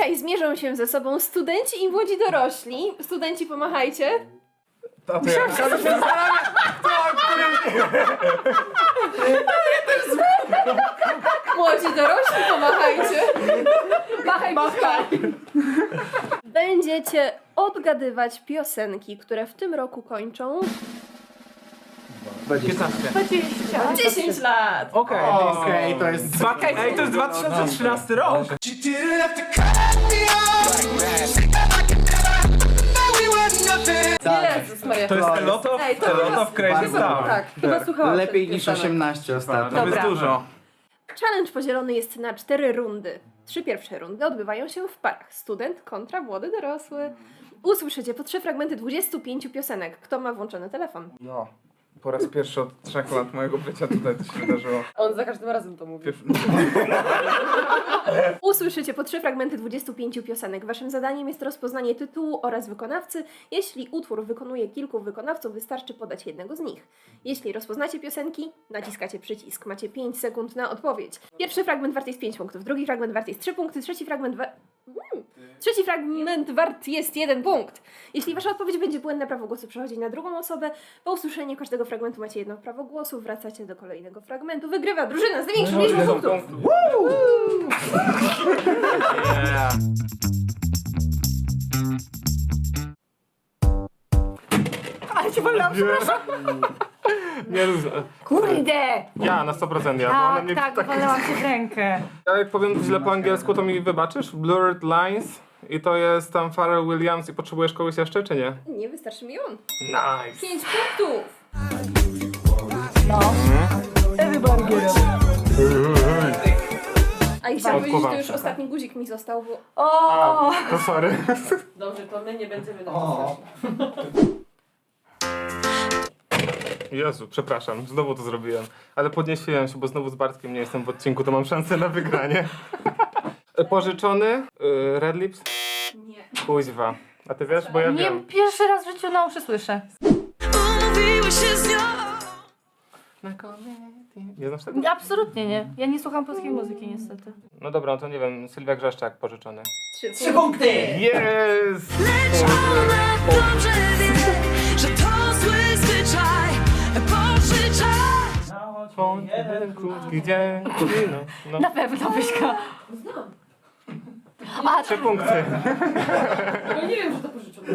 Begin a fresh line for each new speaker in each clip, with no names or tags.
Dzisiaj zmierzą się ze sobą studenci i młodzi dorośli. Studenci, pomachajcie.
To ja się zastanawiam,
Młodzi dorośli, pomachajcie. Machaj, machaj. Będziecie odgadywać piosenki, które w tym roku kończą
15.
10 lat.
Okej, to jest...
Ej, to jest 2013 rok!
Jezus Maria.
To jest A Lot of,
Ej, to
A Lot
chyba-
of Crazy
chyba-
Stuff.
Tak, chyba słuchałam
Lepiej
tych
niż
piosenek.
18 ostatnio.
To jest
Dobra.
dużo.
Challenge podzielony jest na 4 rundy. 3 pierwsze rundy odbywają się w parach. Student kontra młody dorosły. Usłyszycie po 3 fragmenty 25 piosenek. Kto ma włączony telefon?
No. Po raz pierwszy od 3 lat mojego bycia tutaj to się wydarzyło.
On za każdym razem to mówi. Usłyszycie po 3 fragmenty 25 piosenek. Waszym zadaniem jest rozpoznanie tytułu oraz wykonawcy. Jeśli utwór wykonuje kilku wykonawców, wystarczy podać jednego z nich. Jeśli rozpoznacie piosenki, naciskacie przycisk. Macie 5 sekund na odpowiedź. Pierwszy fragment wart jest 5 punktów, drugi fragment wart jest 3 punkty, trzeci fragment wart jest 1 punkt. Jeśli wasza odpowiedź będzie błędna, prawo głosu przechodzi na drugą osobę. Po usłyszeniu każdego fragmentu macie jedno prawo głosu, wracacie do kolejnego fragmentu. Wygrywa drużyna z największą liczbą punktów.
Yeah.
Ale cię wolałam, przepraszam.
Nie,
Kurde!
ja na 100% ja, bo ona mnie
Tak, wolałam cię w rękę.
Ja jak powiem źle po angielsku, to mi wybaczysz? Blurred Lines i to jest tam Pharrell Williams i potrzebujesz kogoś jeszcze, czy nie?
Nie, wystarczy mi on.
Nice!
5 punktów. A i chciałam powiedzieć, że to już ostatni guzik mi został, bo...
A, to sorry.
Dobrze, to my nie będziemy na
Jezu, przepraszam, znowu to zrobiłem. Ale podniesiłem się, bo znowu z Bartkiem nie jestem w odcinku, to mam szansę na wygranie. Pożyczony? Red Lips?
Nie.
Kuźwa. A ty wiesz? Bo ja
Nie,
wiem.
pierwszy raz w życiu na uszy słyszę.
Nie znasz tego?
Absolutnie nie. Ja nie słucham polskiej muzyki niestety.
No dobra, no to nie wiem, Sylwia Grzeszczak pożyczony.
3 punkty.
Jest!
Dobrze wie, że to zły zwyczaj pożyczać.
Jeden krótki dzień. No.
Na pewno Byśka.
A,
3 punkty.
no nie wiem, że to pożyczone.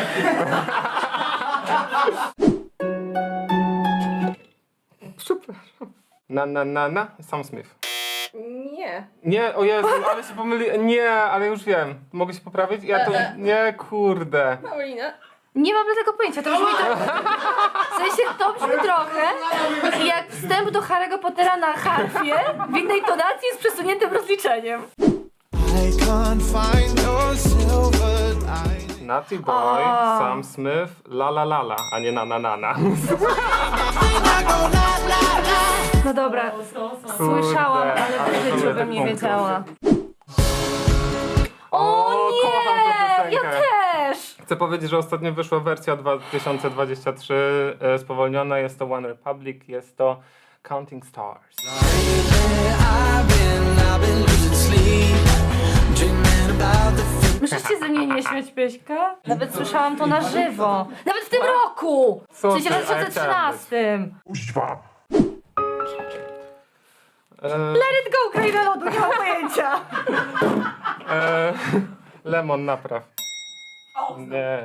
Przepraszam. Na. Sam Smith.
Nie.
Nie, o Jezu, ale się pomyli. Nie, ale już wiem. Mogę się poprawić? Ja to... Nie, kurde.
Paulina.
Nie mam tego pojęcia, to brzmi w sensie to brzmi trochę jak wstęp do Harry'ego Pottera na harfie w innej tonacji z przesuniętym rozliczeniem.
Naughty Boy, Sam Smith, La La La La, a nie Na.
No dobra, słyszałam, ale w życiu bym nie wiedziała. O
kocham tę
nie! Ja
piosenkę.
też!
Chcę powiedzieć, że ostatnio wyszła wersja 2023 spowolniona. Jest to One Republic, jest to Counting Stars.
Możesz się ze mnie nie śmiać, Pieśka? Nawet słyszałam to na żywo. Nawet w tym roku! W
Co
sensie
ty,
w 2013. Let it go, kraina lodu, nie mam pojęcia.
Lemon, napraw. Nie.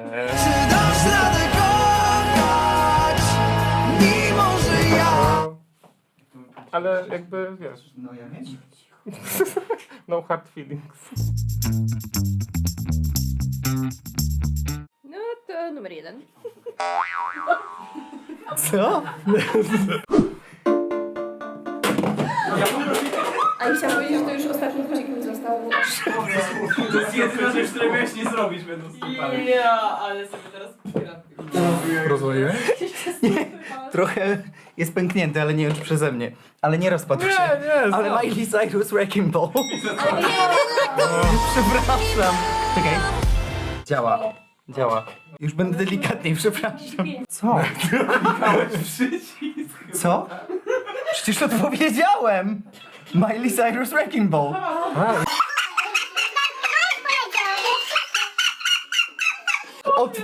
Ale jakby, wiesz,
No ja wiem.
no hard feelings.
No to numer 1.
Co?
A i chciałam powiedzieć, że to już ostatni guzik mi został, bo...
To jest jedyna rzecz, której miałeś nie zrobić będąc tutaj.
Ja, ale sobie teraz
Rozwaliłeś? Nie, trochę jest pęknięty, ale nie już przeze mnie. Ale nie rozpadł się.
Nie,
Ale Miley Cyrus Wrecking Ball. Przepraszam. Czekaj. Działa. Już będę delikatniej, przepraszam. Co? Co? Przecież odpowiedziałem! Miley Cyrus Wrecking Ball.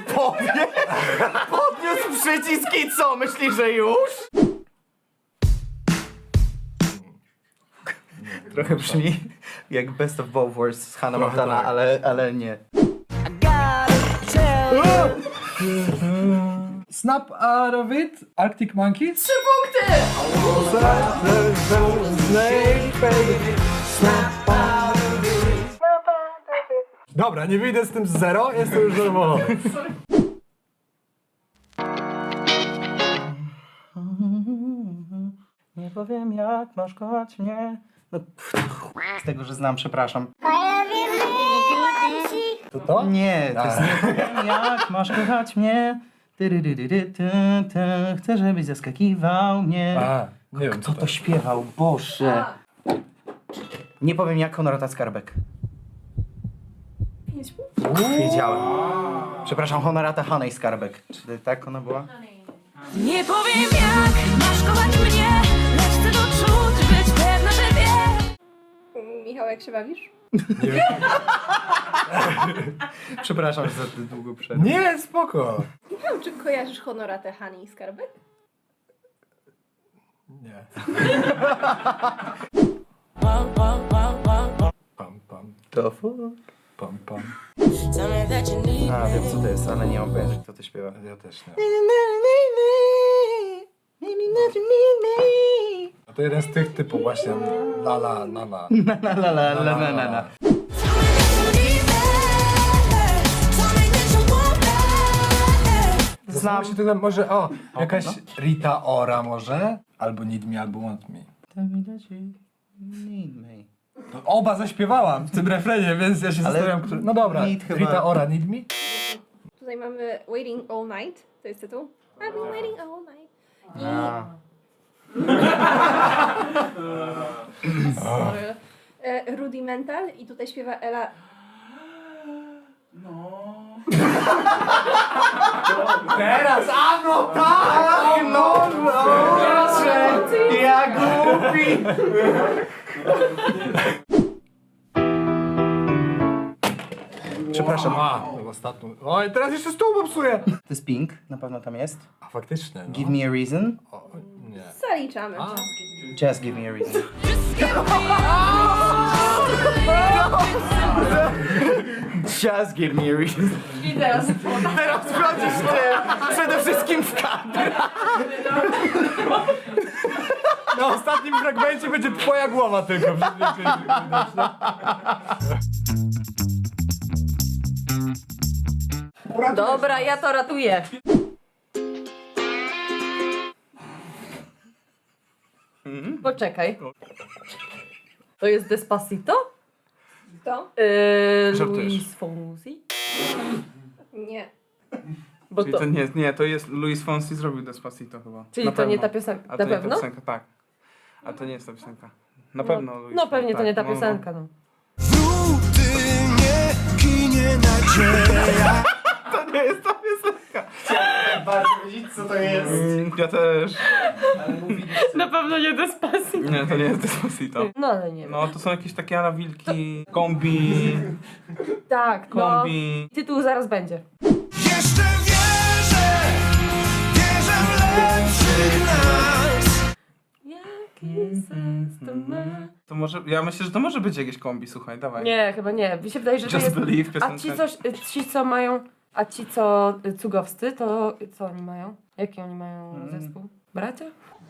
powie? Podniósł przycisk i co? Myślisz, że już? Trochę brzmi jak Best of Both Worlds z Hannah Montana, ale nie.
Snap out of it, Arctic Monkeys.
3 punkty!
Dobra, nie wyjdę z tym z 0, jestem już zadowolony.
Nie powiem jak masz kochać mnie. No, z tego, że znam, przepraszam.
To?
Nie, to jest nie powiem jak masz kochać mnie. Chcę, żebyś zaskakiwał mnie.
A, nie wiem
Kto to śpiewał? Boże. Nie powiem jak Honorata Skarbek.
5 punktów.
Wiedziałem. Przepraszam, Honorata Honey Skarbek. Czy tak ona była?
Nie powiem jak masz kochać mnie, lecz chcę doczuć, być pewna, że wiesz.
Michał, jak się bawisz?
Przepraszam, że za długo przerwę.
Nie, spoko.
Michał, czy kojarzysz Honoratę Hani i Skarbek?
Nie. Pam, pam,
To fuck.
pam, pam.
Tell me that you need
A, wiem co to jest, ale nie mam pojęcia kto to śpiewa.
Ja też nie.
Na
A to jeden z tych typów właśnie la la la la.
la la la la la la la. Znam.
Znam się tutaj może, jakaś Rita Ora może? Albo Need Me, albo Want Me. No, oba zaśpiewałam w tym refrenie, więc ja się
Ale
zastanawiam, który... No dobra,
Need chyba-
Rita Ora, Need Me?
Tutaj mamy Waiting All Night, to jest tytuł. I've been waiting all night.
A.
Sorry. Rudimental i tutaj śpiewa Ela.
Teraz, a no tak! No, ja głupi! Przepraszam.
Ostatnią. Oj, teraz jeszcze stół popsuję!
To jest Pink, na pewno tam jest.
A faktycznie, no.
Give me a reason.
O, nie.
Zaliczamy.
Just give me a reason. Just give me a reason.
I teraz
Teraz wchodzisz ty, przede wszystkim w kadr.
Na ostatnim fragmencie będzie twoja głowa tylko.
Dobra, ja to ratuję. Poczekaj. To jest Despacito?
To?
Żartujesz.
Luis Fonsi?
Nie.
Bo
Czyli
to,
to nie, to jest Luis Fonsi zrobił Despacito chyba.
czyli
Na
to nie
pewno.
ta piosenka.
A
Na
to nie ta
pewno?
piosenka, tak. A to nie jest ta piosenka. Na pewno Luis
No pewnie to
tak,
nie ta
no, no.
piosenka. No.
To nie jest ta piosenka.
Bardzo wiedzieć co to jest.
Ja też.
Na pewno nie Despacito.
Nie, to nie jest Despacito.
No ale nie wiem.
No to są jakieś takie Anna Wilki, kombi,
Tak, no.
kombi.
Tytuł zaraz będzie.
Jeszcze wierzę w lepszy nas.
Jaki sens to ma?
To może, ja myślę, że to może być jakieś kombi, słuchaj, dawaj.
Nie, chyba nie. Mi się wydaje, że to
Just
jest...
Believe
A
piosenka.
ci co mają... A ci co cugowscy, to co oni mają? Jaki oni mają zespół? Bracia?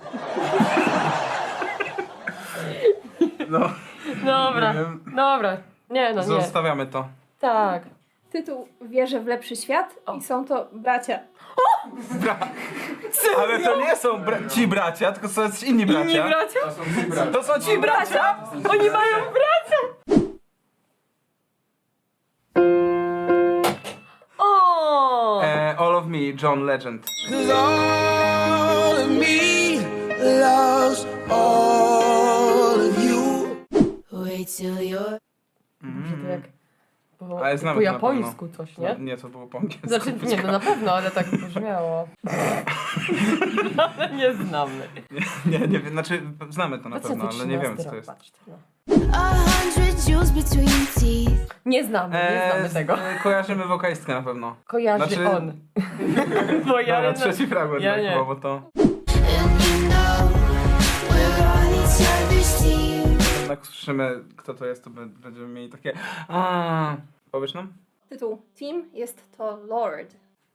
No,
Dobra,
nie wiem.
dobra. Nie, no nie.
Zostawiamy to.
Tak.
Tytuł Wierzę w lepszy świat i są to bracia.
Ale to nie są ci bracia, tylko są inni bracia.
Inni bracia?
To są ci bracia!
Oni mają bracia! O!
All of Me, John Legend.
All of me loves all of you. Wait till you're
Dobrze, to jak po,
Ale znamy
po
to na
japońsku coś, nie?
Nie, to było po angielsku.
Znaczy, nie, no na pewno, ale tak brzmiało. Ale nie znamy.
Nie wiem, znaczy znamy to na pewno, ale nie wiemy co to jest.
Patrzcie, no.
100 jewels between teeth.
Nie znamy tego.
Kojarzymy wokalistkę na pewno.
Kojarzy
znaczy-
on. Bo ja
Dobra, trzeci fragment
ja
tak
nie.
chyba, bo to...
And you know we're on each other's team.
Jak usłyszymy kto to jest, to będziemy mieli takie... Powiesz nam?
Tytuł Team jest to Lord.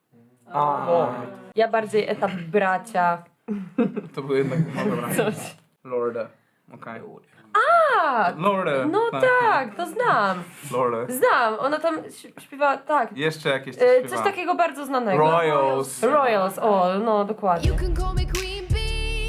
Ja bardziej etap bracia.
To był jednak... No dobra.
Coś.
Lorde. Okej.
A!
Lorde.
No tak, to znam.
Lorde.
Znam, ona tam śpiewa, tak.
Jeszcze jakieś
Coś takiego bardzo znanego.
Royals.
Royals, o, no dokładnie.
You can call me Queen Bee.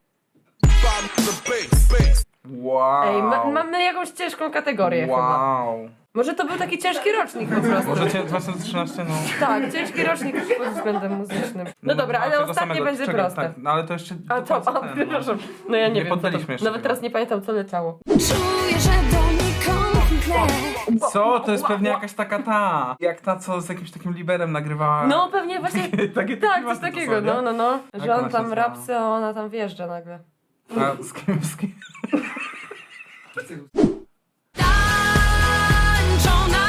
Wow.
Ej, mamy jakąś ciężką kategorię chyba.
Wow.
Może to był taki ciężki rocznik po prostu.
Może 2013, no...
Tak, ciężki rocznik pod względem muzycznym. No dobra, ale
tego
ostatnie
samego.
będzie
Czekaj,
proste.
Tak, no ale to jeszcze...
A
do
to,
końca ten, no.
przepraszam. No ja nie
Nie
wiem, co to,
poddaliśmy jeszcze
nawet
tego.
teraz nie pamiętam co leciało.
Czuję, że do mnie komplet.
Co? To jest pewnie jakaś taka ta... Jak ta, co z jakimś takim liberem nagrywała...
No pewnie właśnie,
Takie
tak,
klimaty
coś
to
takiego,
są, nie?
no.
Jak
Że
ona
on
się
tam
nazywa?
rapsy, a ona tam wjeżdża nagle.
A z kim?
Tańczona.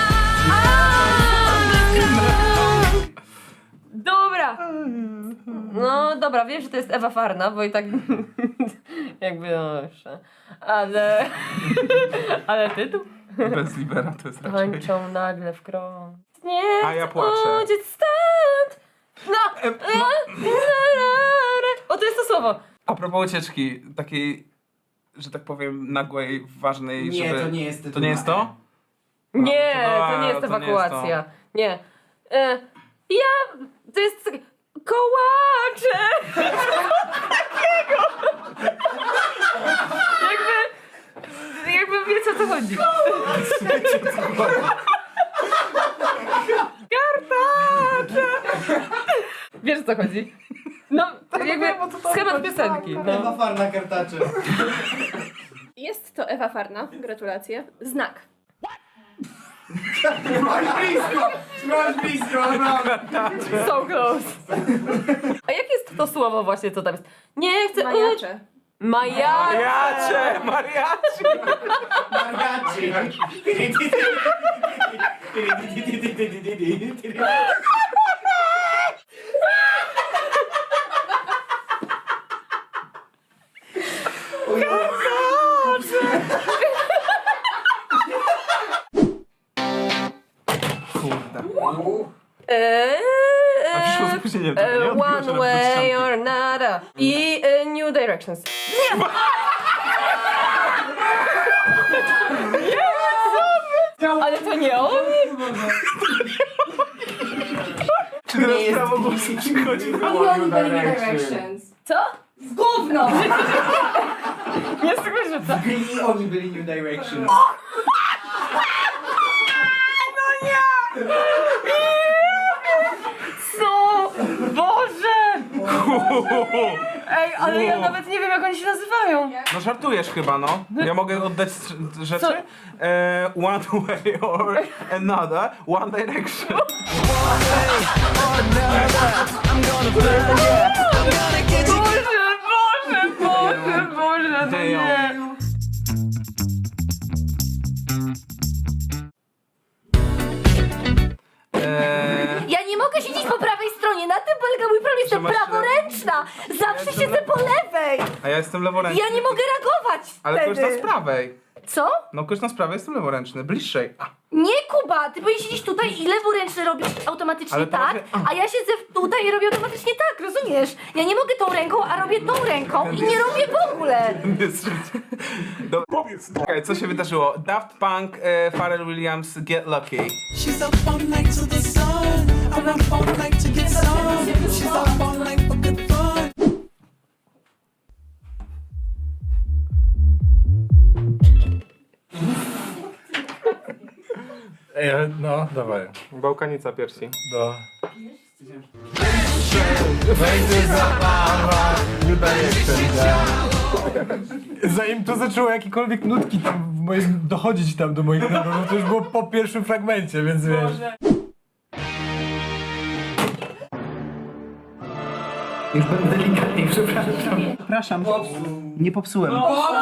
Dobra! No dobra, wiem, że to jest Ewa Farna, bo i tak jakby no jeszcze. Ale... Ale tytuł?
Bez libera to jest raczej...
Tańczą nagle w krąg. Nie
A ja
chcę
płaczę.
uciec stąd! No! O, to jest to słowo!
A propos ucieczki, takiej, że tak powiem, nagłej, ważnej,
Nie,
żeby...
to nie jest
To nie jest to?
Nie,
A,
to nie jest
to nie jest
ewakuacja. Nie. Ja... To jest... Kołacze! Takiego! Jakby wiecie o co chodzi. Kartacze! Wiesz o co chodzi? No, jakby schemat piosenki. No.
Ewa Farna kartacze.
Jest to Ewa Farna, gratulacje. Znak.
Masz blisko, naprawdę.
So close. A jakie jest to słowo właśnie, co tam jest? Nie chcę...
Majacze.
Majacze!
Mariachi!
Mariachi.
A przyszło z opóźnieniem, to nie odbiło się
One
na
way
początku.
or another. I New Directions. Nie! Ale to nie on?
Czy teraz prawo głosu przychodzi?
Co? Gówno! Nie słyszę.
Byli oni byli New Direction.
Co? Boże! Ej, ale ja nawet nie wiem jak oni się nazywają.
No żartujesz chyba, no. Ja mogę oddać rzeczy?
Co?
One way or another, One Direction.
Boże, no nie. Ja nie mogę siedzieć po prawej stronie, na tym polega mój problem, jestem
masz-
praworęczna! Zawsze siedzę po lewej!
A ja jestem leworęczny.
Ja nie mogę reagować
Ale
wtedy!
korzystam z prawej.
Co?
No korzystam z prawej, jestem leworęczny. Bliższej. A,
Nie, Kuba, ty powinieneś siedzieć tutaj i lewuręczny robić automatycznie
Ale to
tak,
może-
a ja siedzę tutaj i robię automatycznie tak, rozumiesz? Ja nie mogę tą ręką, a robię tą ręką i nie robię w ogóle!
Dobra. Okej, co się wydarzyło? Daft Punk, Pharrell Williams, Get Lucky.
She's up all night to the sun. I'm up all night to get some. She's up all night for good fun.
No, dawaj.
Bałkanica piersi.
Do... Będzie zabawa, wydaje się. Zanim to zaczęło jakiekolwiek nutki tam w dochodzić tam do moich nogów, to już było po pierwszym fragmencie, więc wiesz.
Już będę delikatniej, przepraszam. Przepraszam, nie popsułem.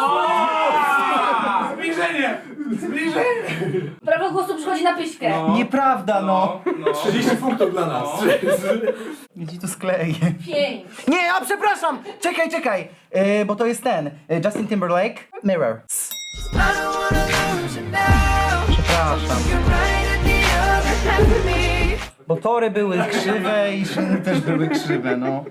Zbliżenie!
Prawo głosu przychodzi na pyśkę.
Nieprawda, no.
30 punktów dla nas.
Ja ci to skleję.
5.
Nie, a przepraszam! Czekaj. Bo to jest ten. Justin Timberlake. Mirror.
I don't wanna lose you now.
Przepraszam.
You're right at the other half of me.
Bo tory były krzywe i szyny też były krzywe, no.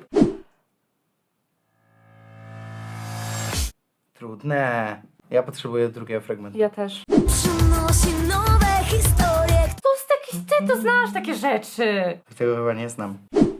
Trudne. Ja potrzebuję drugiego fragmentu.
Ja też.
Przynosi nowe historie.
To jest taki, ty to znasz takie rzeczy.
Tego chyba nie znam.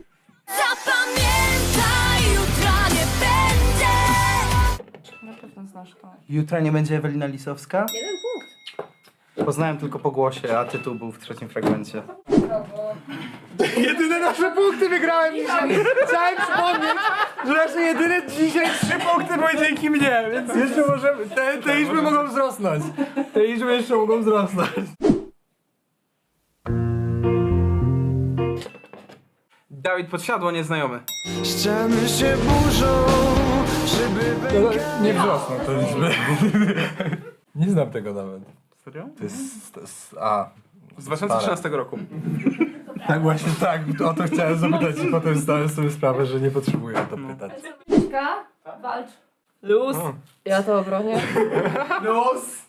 Zapamiętaj, jutra nie będzie.
Na pewno znasz to.
Jutra nie będzie Ewelina Lisowska?
1 punkt.
Poznałem tylko po głosie, a tytuł był w trzecim fragmencie.
Jedyne nasze punkty wygrałem dzisiaj. Chciałem przypomnieć, że nasze jedyne dzisiaj 3 punkty były dzięki mnie, więc jeszcze możemy, te liczby mogą wzrosnąć. Te liczby jeszcze mogą wzrosnąć.
Dawid Podsiadło, nieznajomy.
Ściany się burzą, szyby
No, nie wzrosną te liczby. Nie znam tego nawet.
Serio?
To jest
Z 2013 roku.
tak właśnie tak, o to chciałem zapytać i potem zdałem sobie sprawę, że nie potrzebuję o to pytać.
Pyśka, walcz. Luz. Ja to obronię.
Luz!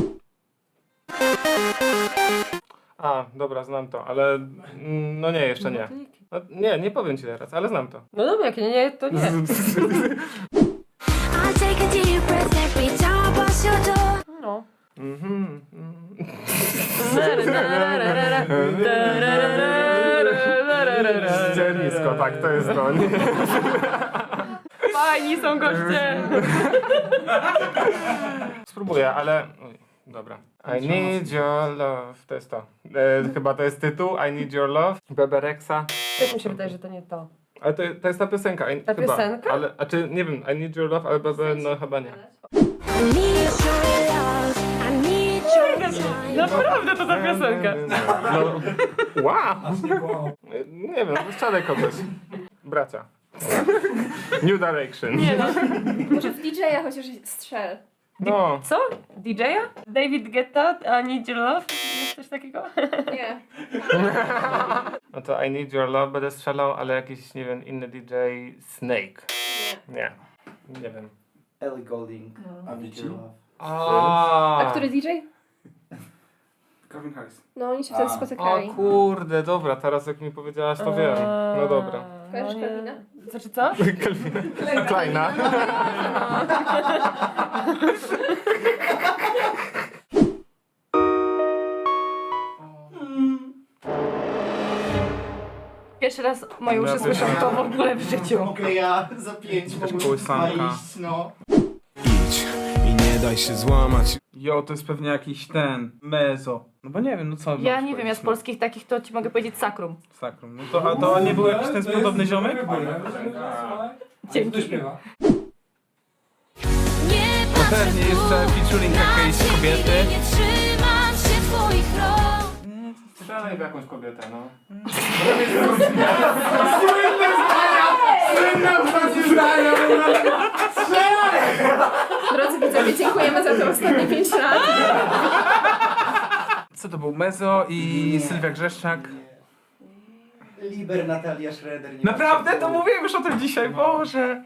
A, dobra, znam to, ale no nie, jeszcze nie. No, nie powiem ci teraz, ale znam to.
No dobra, jak nie, to nie.
I take a deep breath every time I pass your door.
No.
Zdzielisko, tak, to jest to. Nie?
Fajni są goście.
Spróbuję, ale... Oj, dobra. I need your love. To jest to. Chyba to jest tytuł. I need your love. Bebereksa.
Też mi się wydaje, że to nie to.
Ale to jest ta piosenka.
Ta
chyba.
piosenka?
Ale, a czy, nie wiem, I need your love, ale Bebe, no chyba nie.
I need your love. I need your time.
Naprawdę to ta piosenka.
No, wow! Nie wiem, strzelaj kogoś. Bracia. New Direction.
Nie no.
Może w DJ-a chociaż strzel.
No.
Co? DJ-a? David Guetta? I need your love? Jest coś takiego?
Nie.
No to I need your love będę strzelał, ale jakiś, nie wiem, inny DJ Snake. Nie. Nie wiem.
Ellie Goulding.
Avicii?
A który DJ?
Calvin Harris.
No oni się wtedy
O
spotykali.
kurde, dobra, teraz jak mi powiedziałaś, to wiem. No dobra.
Kojarzysz
nie.
Calvina?
Znaczy co?
Kleina.
Pierwszy raz moje uszy słyszą to w ogóle w życiu.
Mogę ja za 5
kołysanka.
iść, no.
Idź i nie daj się złamać.
Jo, to jest pewnie jakiś ten... Mezo. No bo nie wiem, no co...
Ja
mam
nie wiem, ja z
powiedzieć,
polskich takich to ci mogę powiedzieć sakrum.
no. Sakrum. No to, a to nie był jakiś ten podobny ziomek?
Dzięki.
Nie patrzę
Pewnie jeszcze featuring jakiejś kobiety.
Nie trzymam się twoich rąk.
Strzelaj w jakąś kobietę, no.
Drodzy widzowie, dziękujemy za te ostatnie 5 lat.
Co to był? Mezo i Sylwia Grzeszczak.
Liber Natalia Schroeder. Nie
Naprawdę? To mówiłem już o tym dzisiaj, Boże!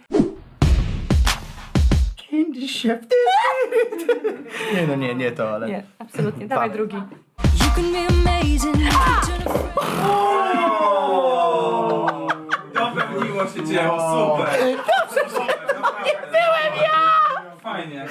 Candy Chef. Nie no, nie to, ale...
Nie, absolutnie. Dawaj drugi.
You can be amazing.
Dopewniło się dzieło, super! Nie byłem ja! Fajnie.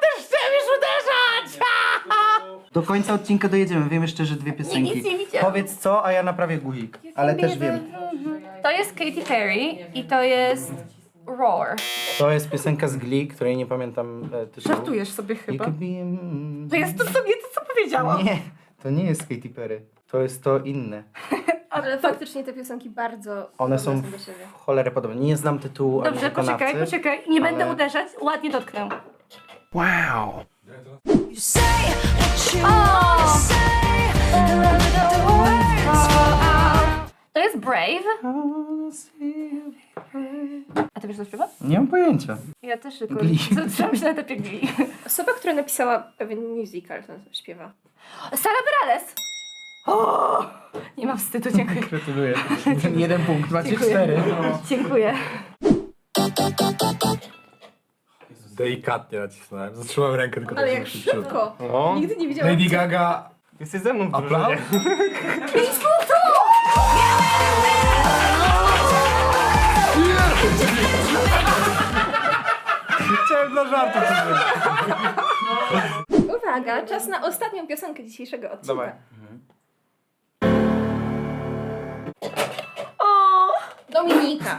Do końca odcinka dojedziemy. Wiem jeszcze, że 2 piosenki.
Nic nie widziałam.
Powiedz co, a ja naprawię guzik. Ale też wiem.
To jest Katy Perry i to jest Roar.
To jest piosenka z Glee, której nie pamiętam tytułu.
Żartujesz sobie
You
chyba.
could be...
To jest to sobie to, co powiedziałam.
Nie, to nie jest Katy Perry. To jest to inne.
Ale faktycznie te piosenki bardzo
One
podobne
są
do siebie.
w cholerę podobne. Nie znam tytułu ani
Dobrze,
wykonawcy.
poczekaj. Nie będę
ale-
uderzać. Ładnie dotknę.
Wow.
You say what you wanna say, the words fall out.
To jest Brave. A ty wiesz, co śpiewa?
Nie mam pojęcia.
Ja też tylko
Glee.
zatrzymam się na etapie Glee.
Osoba, która napisała pewien musical, ten śpiewa.
Sara Bareilles. O! Nie mam wstydu, dziękuję.
Gratuluję.
Ten 1 punkt, macie
Dziękuję.
4.
Dziękuję.
Delikatnie nacisnąłem. Zatrzymałem rękę tylko
Ale
tak,
jak
żeby się przyszło.
szybko!
No.
Nigdy nie widziałam.
Lady Gaga.
Jesteś ze mną w
Aplauz?
drużynie.
Chciałem dla żartu coś zrobić.
Uwaga, czas na ostatnią piosenkę dzisiejszego odcinka.
Dawaj.
Dominika.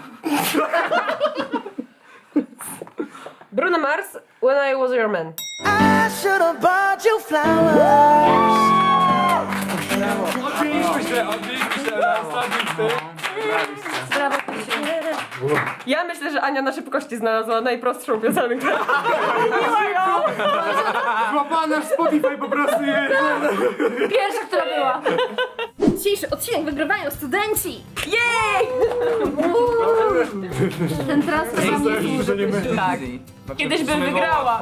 Bruno Mars, When I Was Your Man.
I should have bought you flowers.
Odbiliśmy się na ostatnim z tym.
Brawo,
Ja myślę, że Ania na szybkości znalazła najprostszą piosenkę.
Złapana w Spotify po prostu jest.
Pierwsza, która była.
Dzisiejszy odcinek wygrywają studenci.
Ten transfer
Że nie będzie.
Tak. Kiedyś bym wygrała.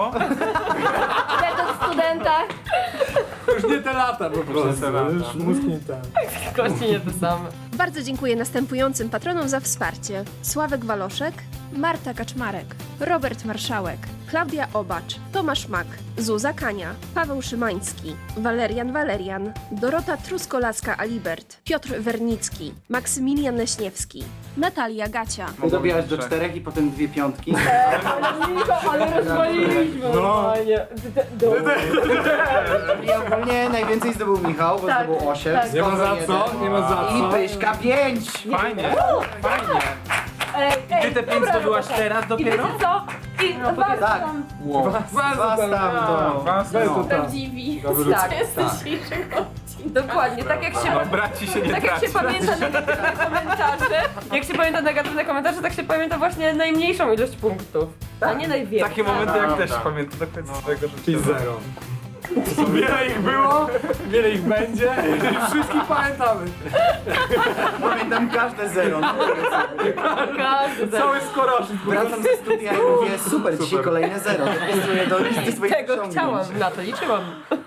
o studentach.
Już nie te lata po prostu. Już mózg nie ten.
Kości nie te same.
Bardzo dziękuję następującym patronom za wsparcie. Sławek Waloszek, Marta Kaczmarek, Robert Marszałek, Klaudia Obacz, Tomasz Mak, Zuza Kania, Paweł Szymański, Walerian, Dorota Truskolaska-Alibert, Piotr Wernicki, Maksymilian Leśniewski, Natalia Gacia,
Dobijasz do 4 i potem 2 piątki.
Ale rozwaliliśmy normalnie.
I ogólnie najwięcej zdobył Michał, bo
Tak,
zdobył 8.
tak.
Nie ma za co, nie ma za
I
co.
Pyśka 5.
Fajnie, fajnie. Ty te 5 zdobyłaś teraz
I
dopiero?
wiecie co? I was
Tak.
tam.
Was tam to.
Bez to tam.
prawdziwi.
Tak,
dzisiejszego odcinka.
dokładnie. Tak jak się...
Braci się nie
Tak jak się
traci.
pamięta negatywne komentarze, tak się pamięta właśnie najmniejszą ilość punktów, a nie największą.
Takie momenty jak też pamiętam do końca swojego życia.
Czyli 0. Wiele ich było, wiele ich będzie. Wszystkich pamiętamy.
Pamiętam każde 0.
Każdy
Cały skoroszyk.
Wracam ze studia i mówię, super, dzisiaj kolejne 0. Dopisuję do listy swoich
tego
osiągnięć.
chciałam, na to liczyłam.